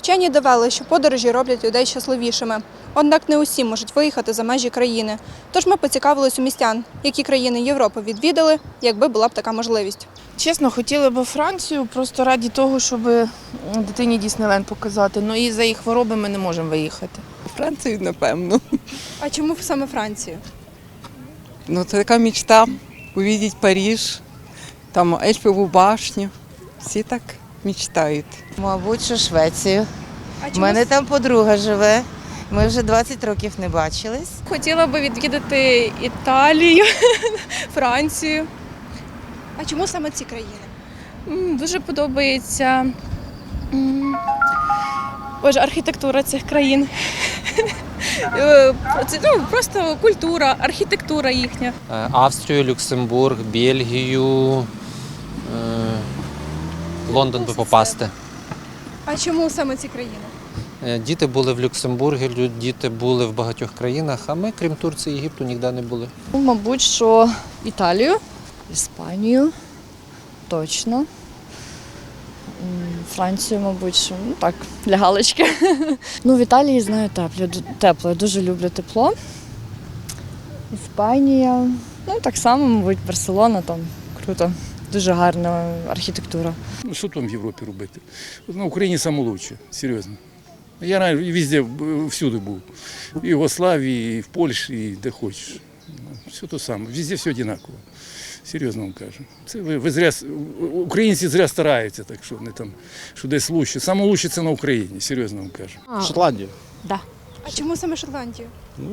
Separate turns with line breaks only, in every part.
Вчені довели, що подорожі роблять людей щасливішими. Однак не усі можуть виїхати за межі країни. Тож ми поцікавились у містян, які країни Європи відвідали, якби була б така можливість.
Чесно, хотіли б Францію просто раді того, щоб дитині Діснейленд показати. Ну і за їх хвороби ми не можемо виїхати.
Францію, напевно.
А чому саме Францію?
Ну, це така мечта – увидеть Париж, там Ейфелеву башню. Всі так мечтають.
Мабуть, що Швецію.
А
У мене там подруга живе. Ми вже 20 років не бачились.
Хотіла би відвідати Італію, Францію.
А чому саме ці країни?
Дуже подобається архітектура цих країн. Просто культура, архітектура їхня.
Австрію, Люксембург, Бельгію, Лондон би попасти.
А чому саме ці країни?
Діти були в Люксембургі, діти були в багатьох країнах, а ми, крім Турції і Єгипту, ніде не були.
Мабуть, що Італію, Іспанію, точно. Францію, мабуть, що, так, для галочки. В Італії, знаю, тепло, я дуже люблю тепло. Іспанія, так само, мабуть, Барселона, там круто, дуже гарна архітектура.
Що там в Європі робити? На Україні найкраще, серйозно. Я везде, всюди був. І в Югославії, і в Польщі, і де хочеш. Все те саме, везде все однаково. Серйозно вам кажу. Це ви зря, українці зря стараються, так що вони там, що десь краще. Саме краще це на Україні, серйозно вам кажу.
Шотландія.
Да.
А чому саме Шотландію?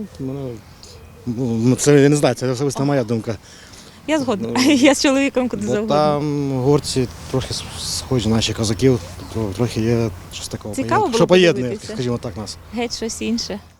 Це я не знаю, це особисто моя думка.
Я згодна. Я з чоловіком куди
Бо
завгодно.
там горці трохи схожі на наші козаків, трохи є щось такого.
Цікаво було
що поєднує,
подивитися.
скажімо так, нас.
Геть щось інше.